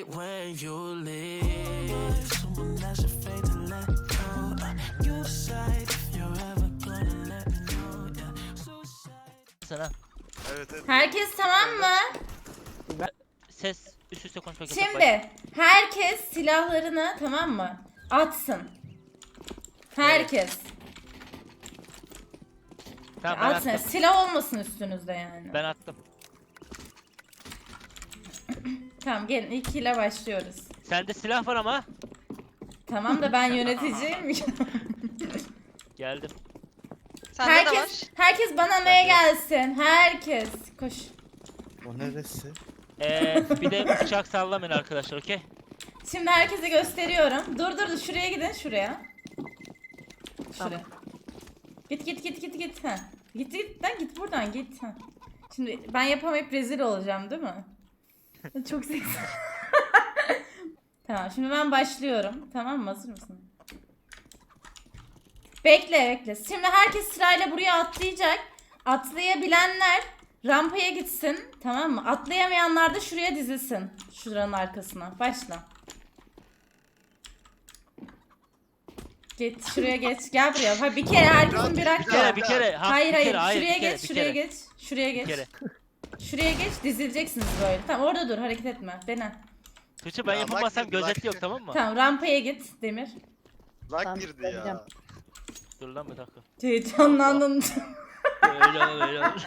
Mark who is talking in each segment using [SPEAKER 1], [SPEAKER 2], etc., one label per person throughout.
[SPEAKER 1] hate when you leave. Someone that's afraid to let go. You decide if you're ever gonna let me know. Yeah. Suicide.
[SPEAKER 2] Sana.
[SPEAKER 3] Evet evet.
[SPEAKER 4] Herkes tamam mı?
[SPEAKER 2] Ses üst üste konuşmak yasak. Bak.
[SPEAKER 4] Şimdi herkes silahlarını tamam mı? Atsın. Herkes.
[SPEAKER 2] Tamam ben
[SPEAKER 4] Atsın.
[SPEAKER 2] attım.
[SPEAKER 4] Silah olmasın üstünüzde yani.
[SPEAKER 2] Ben attım.
[SPEAKER 4] Tamam gelin ilk ile başlıyoruz.
[SPEAKER 2] Sende silah var ama.
[SPEAKER 4] Tamam da ben yöneticiyim.
[SPEAKER 2] Geldim.
[SPEAKER 5] Sende de var.
[SPEAKER 4] herkes bana neye gelsin? Herkes. Koş.
[SPEAKER 3] O neresi?
[SPEAKER 2] Bir de bıçak sallamayın arkadaşlar, okey?
[SPEAKER 4] Şimdi herkese gösteriyorum. Dur şuraya gidin şuraya. Şuraya. Git. Ha. Git lan git buradan git. Ha. Şimdi ben yapamayıp rezil olacağım değil mi? Çok seksi. Tamam şimdi ben başlıyorum. Tamam mı? Hazır mısın? Bekle. Şimdi herkes sırayla buraya atlayacak. Atlayabilenler rampaya gitsin. Tamam mı? Atlayamayanlar da şuraya dizilsin. Şuranın arkasına. Başla. Git şuraya geç. Gel buraya. Hayır, bir kere herkesin bir hakkı.
[SPEAKER 2] Bir kere.
[SPEAKER 4] Hayır. Şuraya
[SPEAKER 2] bir kere,
[SPEAKER 4] geç.
[SPEAKER 2] bir
[SPEAKER 4] Şuraya
[SPEAKER 2] kere.
[SPEAKER 4] geç. Şuraya
[SPEAKER 2] Bir
[SPEAKER 4] geç.
[SPEAKER 2] kere.
[SPEAKER 4] Şuraya geç. Dizileceksiniz böyle. Tamam orada dur. Hareket etme. Dene.
[SPEAKER 2] Tuğçe ben
[SPEAKER 3] Ya,
[SPEAKER 2] yapamazsam
[SPEAKER 3] bak,
[SPEAKER 2] gözetli
[SPEAKER 3] bak.
[SPEAKER 2] yok, tamam mı?
[SPEAKER 4] Tamam rampaya git Demir.
[SPEAKER 3] Lag girdi ya.
[SPEAKER 2] Dur lan bir dakika.
[SPEAKER 4] Heyecanlandın.
[SPEAKER 2] Öyle olur.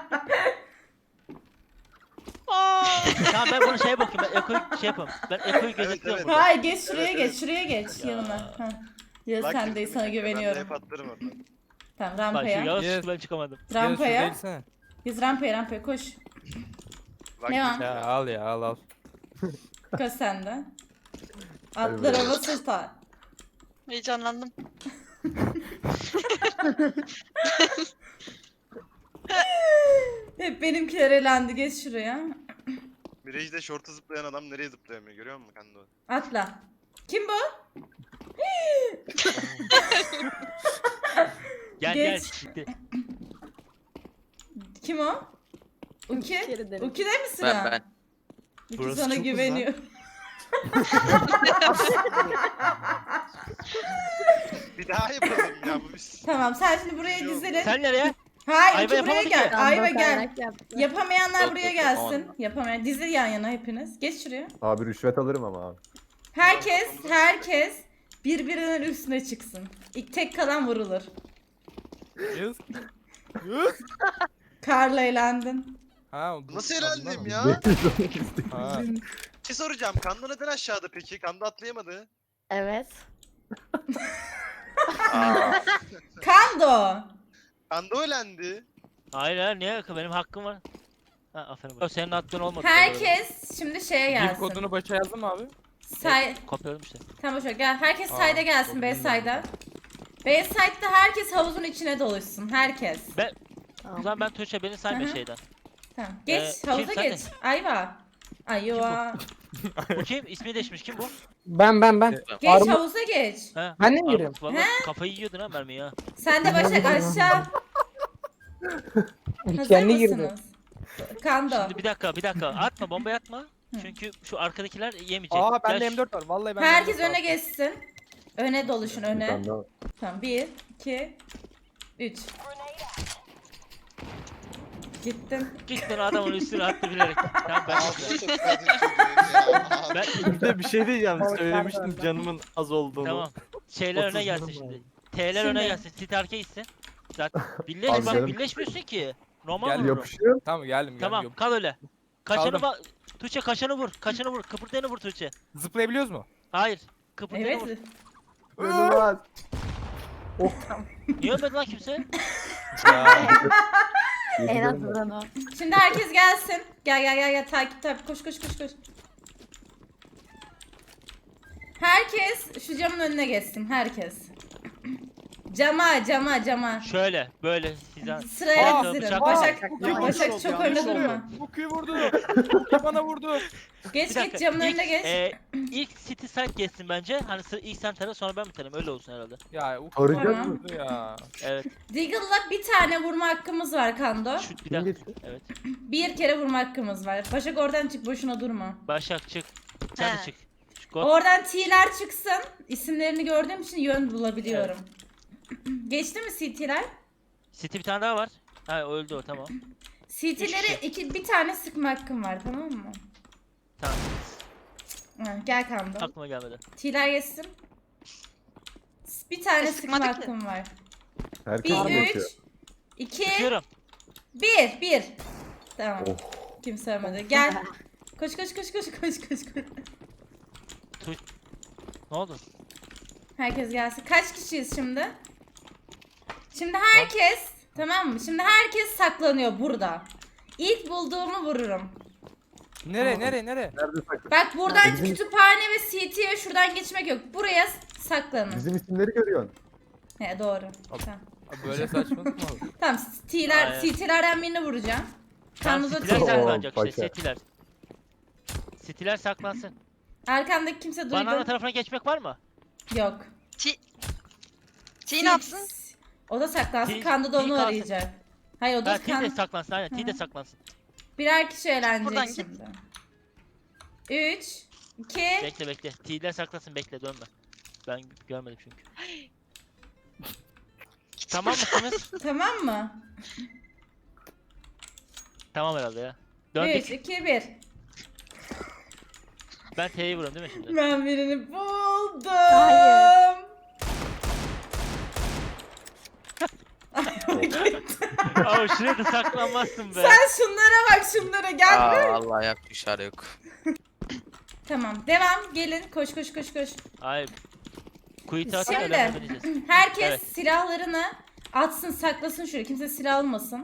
[SPEAKER 2] Tamam ben bunu şeye bakayım, ben Eko'yu şey yapayım. Ben Eko'yu gözetliyorum
[SPEAKER 3] evet.
[SPEAKER 2] burada.
[SPEAKER 4] Hayır geç şuraya
[SPEAKER 3] Evet,
[SPEAKER 4] geç.
[SPEAKER 3] evet.
[SPEAKER 4] Şuraya geç
[SPEAKER 2] Ya.
[SPEAKER 4] yanına. Ha. Ya
[SPEAKER 3] Lag
[SPEAKER 4] sen
[SPEAKER 3] girdi.
[SPEAKER 4] de sana
[SPEAKER 3] Ben de
[SPEAKER 4] güveniyorum.
[SPEAKER 3] hep atlarım oradan.
[SPEAKER 4] Tamam
[SPEAKER 2] Bak şu
[SPEAKER 4] rampaya.
[SPEAKER 2] yavaş
[SPEAKER 6] Yes.
[SPEAKER 2] çıktı, ben çıkamadım.
[SPEAKER 4] Rampaya. Biz rampaya koş.
[SPEAKER 3] Lag
[SPEAKER 4] Devam.
[SPEAKER 3] girdi
[SPEAKER 6] Ya al.
[SPEAKER 4] Koş sen de. Atlara basır ta.
[SPEAKER 5] Heyecanlandım.
[SPEAKER 4] Hep benimkiler elendi. Geç şuraya.
[SPEAKER 3] Mirage'de şorta zıplayan adam nereye zıplayamıyor görüyor musun Kando?
[SPEAKER 4] Atla. Kim bu?
[SPEAKER 2] Gel
[SPEAKER 4] Geç.
[SPEAKER 2] gitti.
[SPEAKER 4] Kim o? Uki? Uki de mi sıra?
[SPEAKER 7] Ben.
[SPEAKER 4] Uki
[SPEAKER 3] Burası
[SPEAKER 4] sana
[SPEAKER 3] çok
[SPEAKER 4] güveniyor.
[SPEAKER 3] Bir daha yapalım ya bu biz.
[SPEAKER 4] Tamam sen şimdi buraya
[SPEAKER 3] Yok.
[SPEAKER 4] dizilin.
[SPEAKER 2] Sen nereye?
[SPEAKER 4] Hayır
[SPEAKER 2] Ayva
[SPEAKER 4] Uki buraya
[SPEAKER 2] yapamadı
[SPEAKER 4] gel.
[SPEAKER 2] ki.
[SPEAKER 4] Ayva gel. Yapamayanlar
[SPEAKER 7] Yok,
[SPEAKER 4] buraya
[SPEAKER 7] yok,
[SPEAKER 4] gelsin.
[SPEAKER 7] yapamadım.
[SPEAKER 4] Yapamayan. Dizil yan yana hepiniz. Geç şuraya.
[SPEAKER 8] Abi rüşvet alırım ama abi.
[SPEAKER 4] Herkes birbirinin üstüne çıksın. İlk tek kalan vurulur.
[SPEAKER 6] Yes.
[SPEAKER 4] Karla eğlendin.
[SPEAKER 6] Ha,
[SPEAKER 3] Nasıl eğlendim ya?
[SPEAKER 6] Ha.
[SPEAKER 3] Bir şey soracağım. Kando neden aşağıda peki? Kando atlayamadı.
[SPEAKER 9] Evet.
[SPEAKER 4] Kando.
[SPEAKER 3] Kando eğlendi.
[SPEAKER 2] Hayır niye? Benim hakkım var. Ha aferin. Bak. Senin attığın olmadı.
[SPEAKER 4] Herkes şimdi şeye
[SPEAKER 6] Gif
[SPEAKER 4] gelsin.
[SPEAKER 6] kodunu başa yazdın mı abi?
[SPEAKER 4] Say
[SPEAKER 2] Kopyaladım işte.
[SPEAKER 4] tamam boş ver. Gel. Herkes
[SPEAKER 6] Aa,
[SPEAKER 4] sayda gelsin
[SPEAKER 6] çok
[SPEAKER 4] B
[SPEAKER 6] iyi.
[SPEAKER 4] sayda. B side'da herkes havuzun içine doluşsun. Herkes.
[SPEAKER 2] O zaman ben Tuğçe beni sayma
[SPEAKER 4] Hı hı.
[SPEAKER 2] şeyden.
[SPEAKER 4] Tamam. Geç havuza
[SPEAKER 2] sen
[SPEAKER 4] geç. Ayva. Ayva.
[SPEAKER 2] Bu kim? İsmi değişmiş. Kim bu?
[SPEAKER 9] Ben.
[SPEAKER 4] Geç havuza geç.
[SPEAKER 2] Ha.
[SPEAKER 9] Ben de mi
[SPEAKER 2] Armut,
[SPEAKER 9] giriyorum?
[SPEAKER 2] Vallahi kafayı yiyordun ha mermi ya.
[SPEAKER 4] Sen de Başak aşağı. Hazır
[SPEAKER 9] Kendi girdi.
[SPEAKER 4] mısınız? Kando.
[SPEAKER 2] Şimdi bir dakika. Atma, bombayı atma. Çünkü şu arkadakiler yemeyecek.
[SPEAKER 6] Aa bende
[SPEAKER 2] Gel şu-
[SPEAKER 6] M4 var. Vallahi bende
[SPEAKER 4] Herkes
[SPEAKER 6] M4 var.
[SPEAKER 4] öne geçsin. Öne doluşun öne.
[SPEAKER 8] Ben de
[SPEAKER 4] Tamam 1, 2, 3. Gittin.
[SPEAKER 2] Gittin adamın üstüne attı bilerek. Tamam ben Ben
[SPEAKER 10] Bir de bir şey diyeceğim.
[SPEAKER 9] Balıklar
[SPEAKER 10] Söylemiştim
[SPEAKER 9] bende.
[SPEAKER 10] canımın az olduğunu.
[SPEAKER 2] tamam. Şeyler öne
[SPEAKER 10] 30
[SPEAKER 2] gelsin
[SPEAKER 10] canım
[SPEAKER 2] şimdi. T'ler öne
[SPEAKER 4] Şimdi.
[SPEAKER 2] gelsin. Sit arkaya gitsin. Zaten birleş
[SPEAKER 8] Abi
[SPEAKER 2] bak
[SPEAKER 8] canım.
[SPEAKER 2] birleşmiyorsun ki. Normal
[SPEAKER 6] Gel,
[SPEAKER 2] vururum.
[SPEAKER 8] yapışıyor.
[SPEAKER 6] Tamam geldim.
[SPEAKER 2] Tamam
[SPEAKER 6] Geldim.
[SPEAKER 2] kal öyle. Kaçanı
[SPEAKER 6] Kaldım.
[SPEAKER 2] bak. Tuğçe kaçanı vur. Kaçanı vur. Kıpırdayanı vur Tuğçe.
[SPEAKER 6] Zıplayabiliyoruz mu?
[SPEAKER 2] Hayır. Kıpırdayanı
[SPEAKER 4] Evet.
[SPEAKER 2] vur.
[SPEAKER 8] İnanılmaz.
[SPEAKER 2] Niye ölmedi lan kimse?
[SPEAKER 6] Ya.
[SPEAKER 9] En azından o.
[SPEAKER 4] Şimdi herkes gelsin. Gel takip koş. Herkes şu camın önüne geçsin herkes. Cama.
[SPEAKER 2] Şöyle böyle sizden.
[SPEAKER 4] Sıraya
[SPEAKER 2] Aa,
[SPEAKER 4] dizilin.
[SPEAKER 2] bıçak-
[SPEAKER 4] Başak çok önde durma.
[SPEAKER 6] Kuki vurdu. Kuki bana vurdu.
[SPEAKER 4] Geç
[SPEAKER 2] Bir dakika,
[SPEAKER 4] camın
[SPEAKER 2] ilk,
[SPEAKER 4] önüne geç.
[SPEAKER 2] İlk City side geçsin bence. Hani ilk sen tara sonra ben biterim. Öyle olsun herhalde.
[SPEAKER 6] Ya Kuki
[SPEAKER 8] Arayacağız
[SPEAKER 6] bana
[SPEAKER 4] mı?
[SPEAKER 6] vurdu ya.
[SPEAKER 2] Evet.
[SPEAKER 4] Deagle'la bir tane vurma hakkımız var Kando.
[SPEAKER 2] Şu bir
[SPEAKER 8] Kim
[SPEAKER 2] dakika.
[SPEAKER 8] geçti?
[SPEAKER 2] Evet.
[SPEAKER 4] Bir kere vurma hakkımız var. Başak oradan çık boşuna durma.
[SPEAKER 2] Başak çık. sen de
[SPEAKER 5] He.
[SPEAKER 2] çık. Çık, go.
[SPEAKER 4] Oradan T'ler çıksın. İsimlerini gördüğüm için yön bulabiliyorum. Geçti mi CT'ler?
[SPEAKER 2] City bir tane daha var. Ha öldü o tamam.
[SPEAKER 4] CT'leri bir tane sıkma hakkım var, tamam mı?
[SPEAKER 2] Tamam.
[SPEAKER 4] Ha, gel Kando.
[SPEAKER 2] Aklıma gelmedi.
[SPEAKER 4] T'ler geçsin. Bir tane sıkma
[SPEAKER 5] sıkmadık ki.
[SPEAKER 4] hakkım var.
[SPEAKER 7] Herkes
[SPEAKER 4] Bir,
[SPEAKER 7] mi yapıyor?
[SPEAKER 4] 3, 2,
[SPEAKER 2] Çıkıyorum.
[SPEAKER 4] 1. Tamam.
[SPEAKER 7] Oh.
[SPEAKER 4] Kimse ölmedi. Gel. Koş koş koş koş koş koş koş.
[SPEAKER 2] Ne oldu?
[SPEAKER 4] Herkes gelsin. Kaç kişiyiz şimdi? Şimdi herkes, tamam mı? Şimdi herkes saklanıyor burada. İlk bulduğumu vururum.
[SPEAKER 6] Nereye nereye?
[SPEAKER 7] Nerede saklı?
[SPEAKER 4] Bak buradan
[SPEAKER 7] Bizim-
[SPEAKER 4] kütüphane ve CT'ye şuradan geçmek yok. Buraya saklanın.
[SPEAKER 7] Bizim isimleri görüyorsun.
[SPEAKER 4] He doğru. Tamam.
[SPEAKER 6] Abi böyle saçmalık mı olur?
[SPEAKER 4] Tamam
[SPEAKER 2] Aynen.
[SPEAKER 4] CT'lerden birini vuracağım.
[SPEAKER 2] Tamam,
[SPEAKER 4] Kanun'da
[SPEAKER 2] City'ler
[SPEAKER 7] Oo,
[SPEAKER 2] saklanacak işte.
[SPEAKER 7] paşa.
[SPEAKER 2] City'ler. City'ler saklansın.
[SPEAKER 4] Arkandaki kimse duydu.
[SPEAKER 2] Banana tarafına geçmek var mı?
[SPEAKER 4] Yok.
[SPEAKER 5] T ne yapsın?
[SPEAKER 4] O da saklansın.
[SPEAKER 2] T-
[SPEAKER 4] Kando da
[SPEAKER 2] T
[SPEAKER 4] onu
[SPEAKER 2] kalsın.
[SPEAKER 4] arayacak. Hayır o da
[SPEAKER 2] Ha T de
[SPEAKER 4] kan...
[SPEAKER 2] saklansın aynen. T de
[SPEAKER 4] Hı.
[SPEAKER 2] saklansın.
[SPEAKER 4] Birer kişi eğlenecek
[SPEAKER 5] Buradan git.
[SPEAKER 4] şimdi. 3, 2,
[SPEAKER 2] Bekle bekle. T'ler saklansın bekle dönme. Ben görmedim çünkü. Tamam mısınız?
[SPEAKER 4] tamam mı?
[SPEAKER 2] Tamam herhalde ya.
[SPEAKER 4] 3,
[SPEAKER 2] Döndük.
[SPEAKER 4] 2, 1.
[SPEAKER 2] Ben T'yi vuruyorum değil mi şimdi?
[SPEAKER 4] Ben birini buldum.
[SPEAKER 9] Hayır.
[SPEAKER 2] Aa şuraya da saklanmazsın be.
[SPEAKER 4] Sen şunlara bak şunlara gel.
[SPEAKER 8] Vallahi yapmış işare yok.
[SPEAKER 4] Tamam devam gelin koş koş koş koş.
[SPEAKER 2] Hayır. Kuytu atıp
[SPEAKER 4] Şimdi
[SPEAKER 2] ölenmeyeceğiz.
[SPEAKER 4] herkes
[SPEAKER 2] Evet.
[SPEAKER 4] silahlarını atsın saklasın şuraya kimse silah almasın.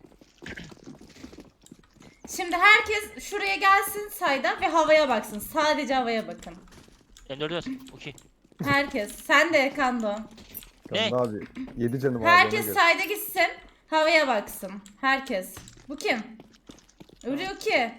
[SPEAKER 4] Şimdi herkes şuraya gelsin sayda ve havaya baksın. Sadece havaya bakın.
[SPEAKER 2] M4 okey.
[SPEAKER 4] Herkes. Sen de Kando.
[SPEAKER 2] Ne?
[SPEAKER 7] Kanda abi. 7 canım abi.
[SPEAKER 4] Herkes
[SPEAKER 7] ona göre.
[SPEAKER 4] sayda gitsin. Havaya baksın. Herkes. Bu kim? Ölüyor ki.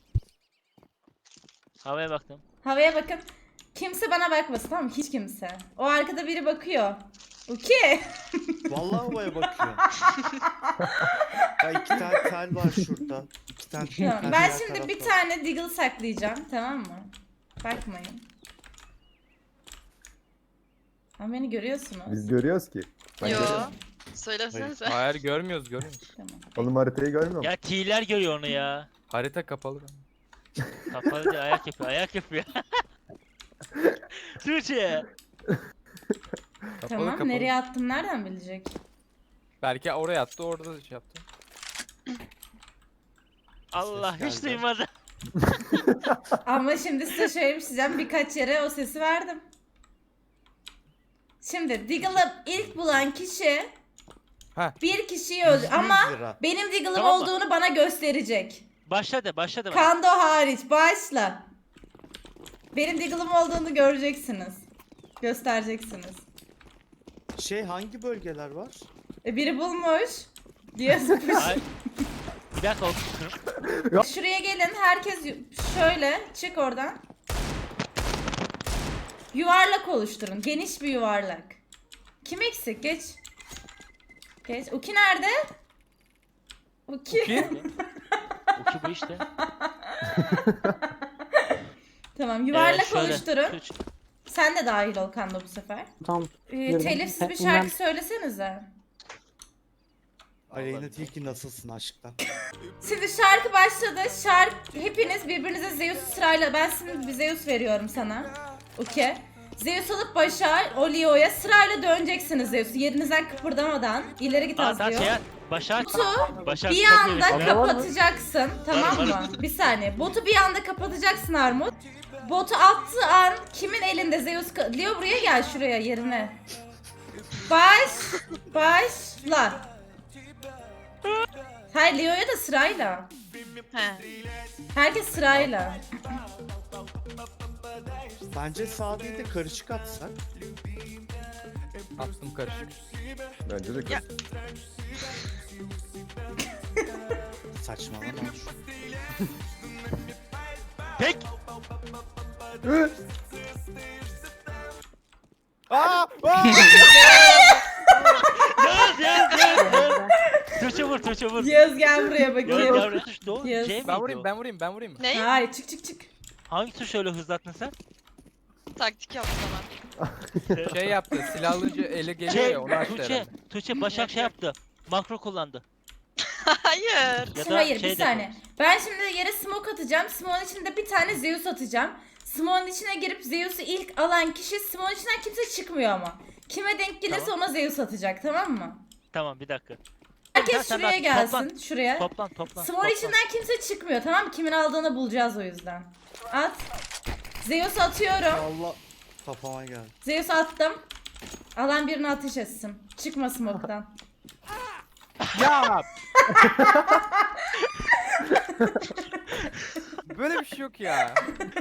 [SPEAKER 2] Havaya baktım.
[SPEAKER 4] Havaya bakın. Kimse bana bakmasın tamam mı? Hiç kimse. O arkada biri bakıyor. Okey.
[SPEAKER 10] Vallahi havaya bakıyor. Ya 2 tane tel var şurada. 2 tane tel
[SPEAKER 4] Tamam. Ben
[SPEAKER 10] diğer
[SPEAKER 4] şimdi bir
[SPEAKER 10] tarafta.
[SPEAKER 4] tane Deagle saklayacağım. Tamam mı? Bakmayın. Ama beni görüyorsunuz.
[SPEAKER 7] Biz görüyoruz ki. Ben
[SPEAKER 5] Yo.
[SPEAKER 7] görüyorum.
[SPEAKER 5] Söylesenize.
[SPEAKER 6] Hayır görmüyoruz görmüyoruz.
[SPEAKER 4] Tamam.
[SPEAKER 7] Oğlum haritayı görmüyor musun?
[SPEAKER 2] Ya T'ler görüyor onu ya.
[SPEAKER 6] Harita kapalı.
[SPEAKER 2] Kapalı değil, ayak yapıyor. Ayak yapıyor. Tuğçe.
[SPEAKER 6] Kapalı
[SPEAKER 4] Tamam.
[SPEAKER 6] kapalı.
[SPEAKER 4] Nereye attım nereden bilecek?
[SPEAKER 6] Belki oraya attı orada da şey yaptı.
[SPEAKER 2] Allah
[SPEAKER 10] Ses
[SPEAKER 2] hiç
[SPEAKER 10] geldi.
[SPEAKER 2] duymadı.
[SPEAKER 4] Ama şimdi size şöyle bir şey diyeceğim. Birkaç yere o sesi verdim. Şimdi Deagle'ı ilk bulan kişi
[SPEAKER 6] Heh.
[SPEAKER 4] bir kişiyi öldü. Ama
[SPEAKER 10] 100 lira.
[SPEAKER 4] benim Deagle'ım
[SPEAKER 2] Tamam mı?
[SPEAKER 4] olduğunu bana gösterecek.
[SPEAKER 2] Başladı bana.
[SPEAKER 4] Kando hariç. Başla. Benim Deagle'ım olduğunu göreceksiniz. Göstereceksiniz.
[SPEAKER 10] Hangi bölgeler var?
[SPEAKER 4] Biri bulmuş. Diye
[SPEAKER 2] Ay. Bir dakika okuyorum.
[SPEAKER 4] Şuraya gelin. Herkes şöyle. Çık oradan. Yuvarlak oluşturun. Geniş bir yuvarlak. Kim eksik? Geç. Geç. Uki nerede? Uki.
[SPEAKER 6] Uki?
[SPEAKER 2] Oki bu işte.
[SPEAKER 4] Tamam. Yuvarlak
[SPEAKER 2] Şöyle,
[SPEAKER 4] oluşturun.
[SPEAKER 2] Tuğçe.
[SPEAKER 4] Sen de dahil ol Kando bu sefer.
[SPEAKER 9] Tamam. Yürü.
[SPEAKER 4] Telifsiz bir
[SPEAKER 9] Ben-
[SPEAKER 4] şarkı söylesenize.
[SPEAKER 10] Aleyna Tilki nasılsın aşktan?
[SPEAKER 4] Şimdi şarkı başladı. Hepiniz birbirinize Zeus'u sırayla. Ben şimdi bir Zeus veriyorum sana. Okey. Zeus alıp başa, o Leo'ya sırayla döneceksiniz Zeus'u. Yerinizden kıpırdamadan. İleri git az
[SPEAKER 2] Tamam
[SPEAKER 4] diyor.
[SPEAKER 2] şey Başak.
[SPEAKER 4] Botu
[SPEAKER 2] Başak
[SPEAKER 4] bir
[SPEAKER 2] çok
[SPEAKER 4] anda
[SPEAKER 2] iyi.
[SPEAKER 4] kapatacaksın. Tamam
[SPEAKER 2] Var,
[SPEAKER 4] mı?
[SPEAKER 2] var.
[SPEAKER 4] Bir saniye. Botu bir anda kapatacaksın Armut. Botu attığı an kimin elinde Zeus... Leo buraya gel şuraya yerine. Başla. Hayır Leo'ya da sırayla.
[SPEAKER 5] He.
[SPEAKER 4] Herkes sırayla.
[SPEAKER 10] Bence sağ değil de karışık atsak.
[SPEAKER 6] Attım karışık.
[SPEAKER 7] Bence de
[SPEAKER 5] Ya.
[SPEAKER 7] kız.
[SPEAKER 10] Saçmalama.
[SPEAKER 2] Tek.
[SPEAKER 6] Aa! Aa!
[SPEAKER 2] Yaz. Tuğçe vur.
[SPEAKER 4] Yağız gel buraya
[SPEAKER 2] Yaz
[SPEAKER 4] bakayım.
[SPEAKER 2] yavrum. Doğru.
[SPEAKER 4] Yaz.
[SPEAKER 2] C
[SPEAKER 6] Ben
[SPEAKER 2] miydi
[SPEAKER 6] vurayım
[SPEAKER 2] o?
[SPEAKER 6] ben vurayım.
[SPEAKER 5] Ne?
[SPEAKER 4] Hayır çık.
[SPEAKER 2] Hangi tuşu öyle hızlattın sen?
[SPEAKER 5] Taktik yaptı bana.
[SPEAKER 6] Şey yaptı. Silahlıcı ele geliyor ya onu açtı herhalde.
[SPEAKER 2] Tuğçe Başak şey yaptı. Makro kullandı.
[SPEAKER 5] Hayır.
[SPEAKER 2] Ya
[SPEAKER 4] Şimdi
[SPEAKER 2] da
[SPEAKER 4] hayır
[SPEAKER 2] şey
[SPEAKER 4] bir
[SPEAKER 2] de
[SPEAKER 4] saniye. Ben şimdi yere smoke atacağım. Smoke'un içinde bir tane Zeus atacağım. Smoke'un içine girip Zeus'u ilk alan kişi Smoke'un içinden kimse çıkmıyor ama. Kime denk gelirse
[SPEAKER 2] Tamam.
[SPEAKER 4] ona Zeus atacak, tamam mı?
[SPEAKER 2] Tamam bir dakika.
[SPEAKER 4] Herkes
[SPEAKER 2] Sen
[SPEAKER 4] şuraya
[SPEAKER 2] de
[SPEAKER 4] gelsin.
[SPEAKER 2] toplan.
[SPEAKER 4] Şuraya.
[SPEAKER 2] Toplan.
[SPEAKER 4] Smoke içinden kimse çıkmıyor, tamam mı? Kimin aldığını bulacağız o yüzden. At. Zeus'u atıyorum.
[SPEAKER 10] Allah kafama geldi.
[SPEAKER 4] Zeus'u attım. Alan birini ateş etsin. Çıkma smoke'tan.
[SPEAKER 6] Ya! Böyle bir şey yok ya.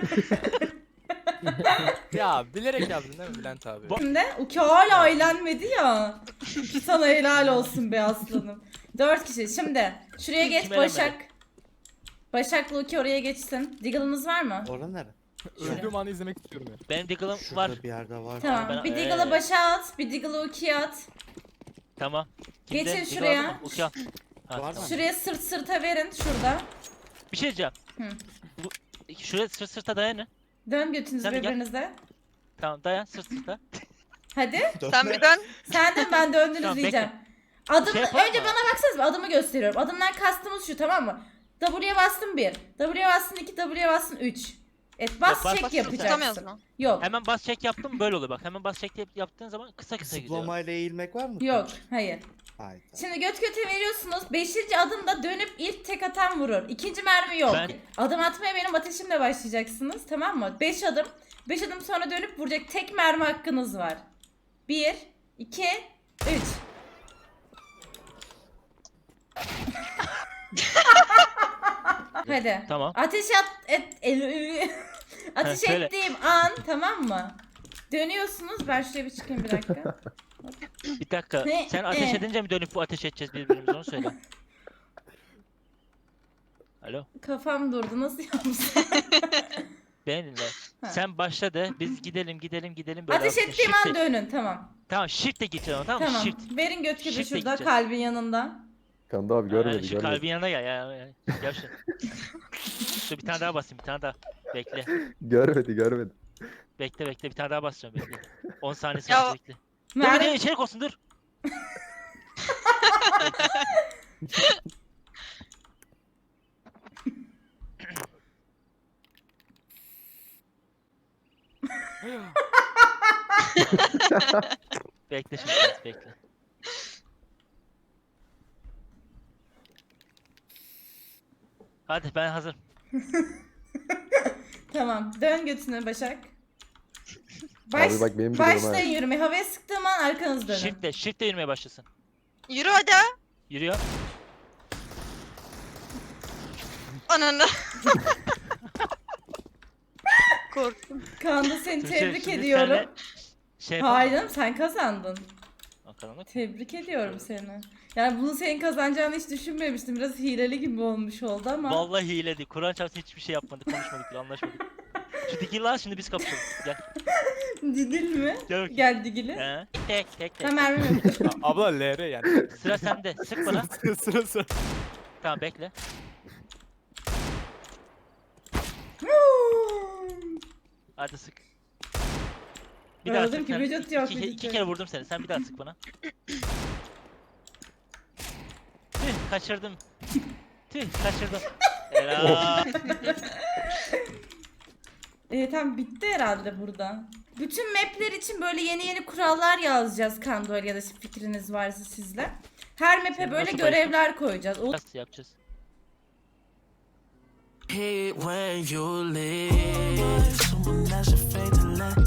[SPEAKER 6] Ya bilerek yaptın değil mi Bülent abi?
[SPEAKER 4] Şimdi Uki hala eğlenmedi ya. Sana helal olsun be aslanım. 4 kişi. Şimdi şuraya geç
[SPEAKER 2] Kim eğlenmedi?
[SPEAKER 4] Başak. Başak'la Uki oraya geçsin. Diggle'ınız var mı?
[SPEAKER 10] Ora nere?
[SPEAKER 6] Öldüğüm anı izlemek istiyorum ya.
[SPEAKER 2] Benim Diggle'ım
[SPEAKER 10] Şurada
[SPEAKER 2] var.
[SPEAKER 10] bir yerde var.
[SPEAKER 4] Tamam.
[SPEAKER 2] ben-
[SPEAKER 4] Bir Diggle'ı Başak'a at. Bir Diggle'ı Uki'ye at.
[SPEAKER 2] Tamam.
[SPEAKER 4] Geçin
[SPEAKER 2] Diggle
[SPEAKER 4] şuraya.
[SPEAKER 2] aldın mı? Uki al. Ha,
[SPEAKER 10] Var
[SPEAKER 2] tamam.
[SPEAKER 10] mı?
[SPEAKER 4] Şuraya sırt sırta verin. Şurada.
[SPEAKER 2] Bir şey diyeceğim.
[SPEAKER 4] Hı.
[SPEAKER 2] Şuraya sırt sırta dayanın.
[SPEAKER 4] Dön götünüzü
[SPEAKER 2] Sen de gel.
[SPEAKER 4] birbirinize.
[SPEAKER 2] Tamam dayan sırt sırta.
[SPEAKER 4] Hadi.
[SPEAKER 5] Sen bir dön.
[SPEAKER 4] Sen de ben döndünüz
[SPEAKER 2] Tamam,
[SPEAKER 4] diyeceğim. Adımı,
[SPEAKER 2] Şey yapalım
[SPEAKER 4] önce
[SPEAKER 2] mı?
[SPEAKER 4] bana baksanız adımı gösteriyorum. Adımdan kastımız şu, tamam mı? W'ye bastın 1. W'ye bastın 2. W'ye bastın 3. Evet bas
[SPEAKER 2] bas-
[SPEAKER 4] çek
[SPEAKER 2] bas-
[SPEAKER 5] Tutamıyoruz
[SPEAKER 4] yapacaksın.
[SPEAKER 5] mu?
[SPEAKER 4] Yok.
[SPEAKER 2] Hemen bas çek yaptım böyle oluyor bak. Hemen bas çek yaptığın zaman kısa gidiyor.
[SPEAKER 10] Zıplamayla eğilmek var mı?
[SPEAKER 4] Yok. Hayır.
[SPEAKER 10] Hayır.
[SPEAKER 4] Şimdi göt göte veriyorsunuz. 5. adımda dönüp ilk tek atan vurur. 2. mermi yok.
[SPEAKER 2] Ben-
[SPEAKER 4] Adım atmaya benim ateşimle başlayacaksınız. Tamam mı? 5 adım. 5 adım sonra dönüp vuracak tek mermi hakkınız var. 1, 2, 3. Hadi.
[SPEAKER 2] Tamam.
[SPEAKER 4] Ateş ateş
[SPEAKER 2] söyle.
[SPEAKER 4] ettiğim an, tamam mı? Dönüyorsunuz. Ben şuraya bir çıkayım bir dakika.
[SPEAKER 2] Bir dakika. Sen ateş edince mi dönüp bu ateş edeceğiz birbirimize onu söyle. Alo.
[SPEAKER 4] Kafam durdu. Nasıl yapmışsın?
[SPEAKER 2] Beni dinle.
[SPEAKER 4] Ha.
[SPEAKER 2] Sen başla de biz gidelim böyle.
[SPEAKER 4] Ateş
[SPEAKER 2] yapsın.
[SPEAKER 4] ettiğim
[SPEAKER 2] Shift'e-
[SPEAKER 4] an dönün. Tamam.
[SPEAKER 2] Tamam shift'e gideceğiz ama tamam mı?
[SPEAKER 4] Tamam.
[SPEAKER 2] Shift.
[SPEAKER 4] Verin göt göte
[SPEAKER 2] Shift'e
[SPEAKER 4] şurada
[SPEAKER 2] gideceğiz.
[SPEAKER 4] kalbin yanında.
[SPEAKER 7] Kandı abi görmedi
[SPEAKER 2] Şu
[SPEAKER 7] görmedi.
[SPEAKER 2] kalbin yanına gel ya. Gel şu. Dur bir tane daha basayım bir tane daha. Bekle.
[SPEAKER 7] Görmedi.
[SPEAKER 2] Bekle bir tane daha basacağım bekle. 10 saniye
[SPEAKER 5] Ya-
[SPEAKER 2] sonra bekle. Dur
[SPEAKER 4] Merve-
[SPEAKER 2] bir de içerik olsun dur. Bekle şimdi bekle. Hadi ben hazırım.
[SPEAKER 4] Tamam. Dön götüne Başak.
[SPEAKER 7] Abi bak benim gidiyorum ha.
[SPEAKER 4] Başlayın yürümeye. Havaya sıktığım an arkanız dönün.
[SPEAKER 2] Shift'le yürümeye başlasın.
[SPEAKER 5] Yürü hadi.
[SPEAKER 2] Yürüyor.
[SPEAKER 5] Ananı. Korktum.
[SPEAKER 4] Kanda seni
[SPEAKER 2] Tuğçe,
[SPEAKER 4] tebrik
[SPEAKER 2] şimdi
[SPEAKER 4] ediyorum.
[SPEAKER 2] senle Şey yapalım mı?
[SPEAKER 4] Hayır canım, sen kazandın.
[SPEAKER 2] Bakalım bak.
[SPEAKER 4] Tebrik ediyorum seni. Yani bunu senin kazanacağını hiç düşünmemiştim. Biraz hileli gibi olmuş oldu ama.
[SPEAKER 2] Vallahi hiledi. Kur'an çarpsın hiçbir şey yapmadık, konuşmadık bile, anlaşmadık. Şu dikil lan şimdi biz kapışalım. Gel.
[SPEAKER 4] Didil mi?
[SPEAKER 2] Gel bakayım.
[SPEAKER 4] Gel Digil'i.
[SPEAKER 2] He. Tek.
[SPEAKER 4] Ha mermi yok.
[SPEAKER 6] Abla LR yani.
[SPEAKER 2] Sıra sende. Sık bana.
[SPEAKER 6] Sıra.
[SPEAKER 2] Tamam bekle. Hadi sık. Bir daha
[SPEAKER 4] Öldüm
[SPEAKER 2] sık.
[SPEAKER 4] ki,
[SPEAKER 2] Sen
[SPEAKER 4] vücut yok,
[SPEAKER 2] iki
[SPEAKER 4] vücut yok.
[SPEAKER 2] kere vurdum seni. Sen bir daha sık bana. Tüh kaçırdım. Kaçırdım. Helal.
[SPEAKER 4] Tam bitti herhalde burada. Bütün mapler için böyle yeni kurallar yazacağız Kandol ya da fikriniz varsa sizle. Her map'e
[SPEAKER 2] Sen
[SPEAKER 4] böyle
[SPEAKER 2] nasıl
[SPEAKER 4] görevler koyacağız. O
[SPEAKER 2] Nasıl yapacağız?
[SPEAKER 1] Hate when you leave. Someone that's afraid to let